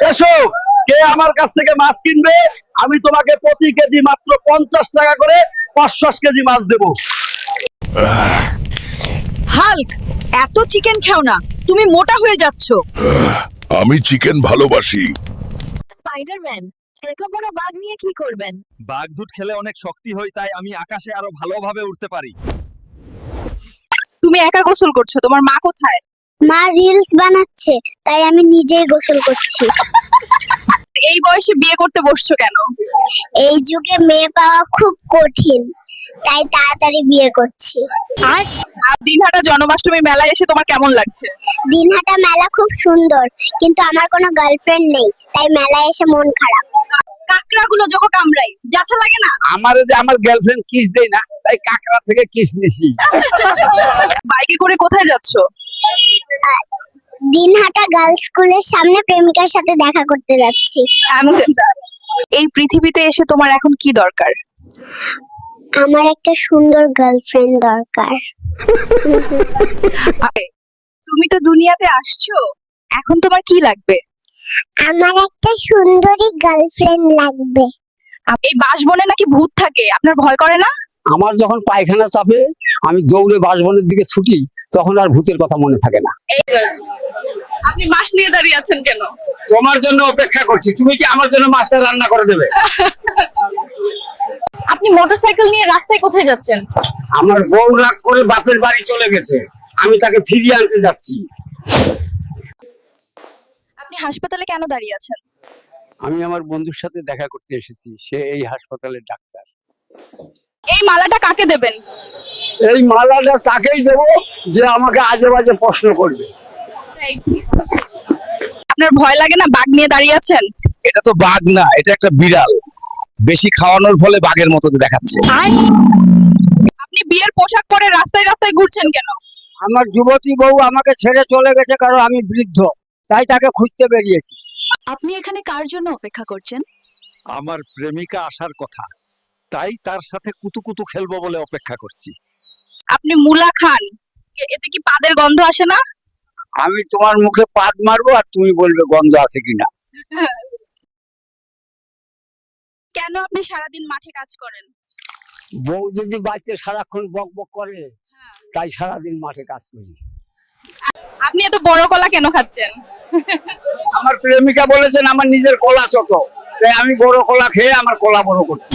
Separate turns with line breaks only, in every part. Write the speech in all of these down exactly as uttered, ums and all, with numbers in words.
এসো, কে আমার কাছ থেকে মাছ কিনবে? আমি তোমাকে প্রতি কেজি মাত্র পঞ্চাশ টাকা করে পাঁচশো কেজি মাছ দেবো।
হাল্ক, এত চিকেন খাও না, তুমি মোটা হয়ে যাচ্ছ।
আমি চিকেন ভালোবাসি।
স্পাইডারম্যান, এত বড় বাঘ নিয়ে কি করবেন?
বাঘ দুধ খেলে অনেক শক্তি হয়, তাই আমি আকাশে আরো ভালোভাবে উঠতে পারি।
তুমি একা গোসল করছো, তোমার মা কোথায়?
মা রিলস বানাচ্ছে, তাই আমি নিজেই গোসল করছি।
এই বয়সে বিয়ে করতে বসছো কেন?
এই যুগে মেয়ে পাওয়া খুব কঠিন, তাই তাড়াতাড়ি বিয়ে করছি।
আর দিনহাটা জন্মাষ্টমী মেলায় এসে তোমার কেমন লাগছে?
দিনহাটা মেলা খুব সুন্দর, কিন্তু আমার কোনো গার্লফ্রেন্ড নেই, তাই মেলায় এসে মন খারাপ।
কাকড়াগুলো যখন কামড়াই ব্যথা লাগে না?
আমারে যে আমার গার্লফ্রেন্ড কিস দেয় না, তাই কাকড়া থেকে কিস নিছি।
বাইকে করে কোথায় যাচ্ছো?
দিনহাটা গার্লস স্কুলের সামনে প্রেমিকার সাথে দেখা করতে যাচ্ছি।
এই পৃথিবীতে এসে তোমার এখন কি দরকার?
আমার একটা সুন্দর গার্লফ্রেন্ড দরকার।
তুমি তো দুনিয়াতে আসছো, এখন তোমার কি লাগবে?
আমার একটা সুন্দরী গার্লফ্রেন্ড লাগবে।
এই বাসবনে নাকি ভূত থাকে, আপনার ভয় করে না?
আমার যখন পায়খানা চাপে আমি দৌড়ে বাসবনের দিকে ছুটি, তখন আর ভূতের কথা মনে থাকে না।
আপনি মাছ নিয়ে দাঁড়িয়ে আছেন কেন?
তোমার জন্য অপেক্ষা করছি, তুমি কি আমার জন্য মাছটা রান্না করে দেবে?
আপনি মোটরসাইকেল নিয়ে রাস্তায় কোথায় যাচ্ছেন?
আমার বউ রাগ করে বাপের বাড়ি চলে গেছে, আমি তাকে ফিরিয়ে আনতে যাচ্ছি।
আপনি হাসপাতালে কেন দাঁড়িয়ে আছেন?
আমি আমার বন্ধুর সাথে দেখা করতে এসেছি, সে এই হাসপাতালের ডাক্তার।
এই মালাটা কাকে দেবেন?
এই মালাটা তাকেই দেবো যে আমাকে আজে বাজে প্রশ্ন করবে।
আপনার ভয় লাগে না বাঘ নিয়ে দাঁড়িয়ে আছেন?
এটা তো বাঘ না, এটা একটা বিড়াল। বেশি খাওয়ানোর ফলে বাঘের মতো দেখাচ্ছে।
আপনি বিয়ের পোশাক পরে রাস্তায় রাস্তায় ঘুরছেন কেন?
আমার যুবতী বউ আমাকে ছেড়ে চলে গেছে, কারণ আমি বৃদ্ধ, তাই তাকে খুঁজতে বেরিয়েছি।
আপনি এখানে কার জন্য অপেক্ষা করছেন?
আমার প্রেমিকা আসার কথা, তাই তার সাথে কুতুকুতু খেলবো বলে অপেক্ষা করছি।
আপনি মুলা খান, এ- এতে কি পাদের গন্ধ আসে না?
আমি তোমার মুখে পাদ মারবো আর তুমি বলবে গন্ধ আছে কিনা।
কেন আপনি সারাদিন মাঠে কাজ করেন?
বউ যদি বাড়িতে সারাক্ষণ বক বক করে, তাই সারাদিন মাঠে কাজ করি।
আপনি এত বড় কলা কেন খাচ্ছেন?
আমার প্রেমিকা বলেছেন আমার নিজের কলা ছোট, তাই আমি বড় কলা খেয়ে আমার কলা বড় করছি।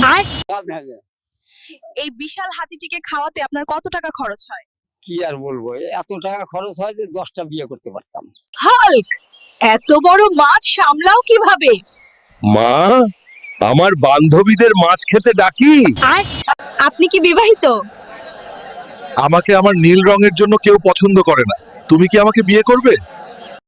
এই বিশাল হাতিটিকে খাওয়াতে আপনার কত টাকা খরচ হয়?
কি আর বলবো, এত টাকা খরচ হয় যে দশটা বিয়ে করতে পারতাম।
হাল্ক, এত বড় মাছ সামলাও কিভাবে?
মা, আমার বান্ধবীদের মাছ খেতে ডাকি।
আপনি কি বিবাহিত?
আমাকে আমার নীল রঙের জন্য কেউ পছন্দ করে না। তুমি কি আমাকে বিয়ে করবে?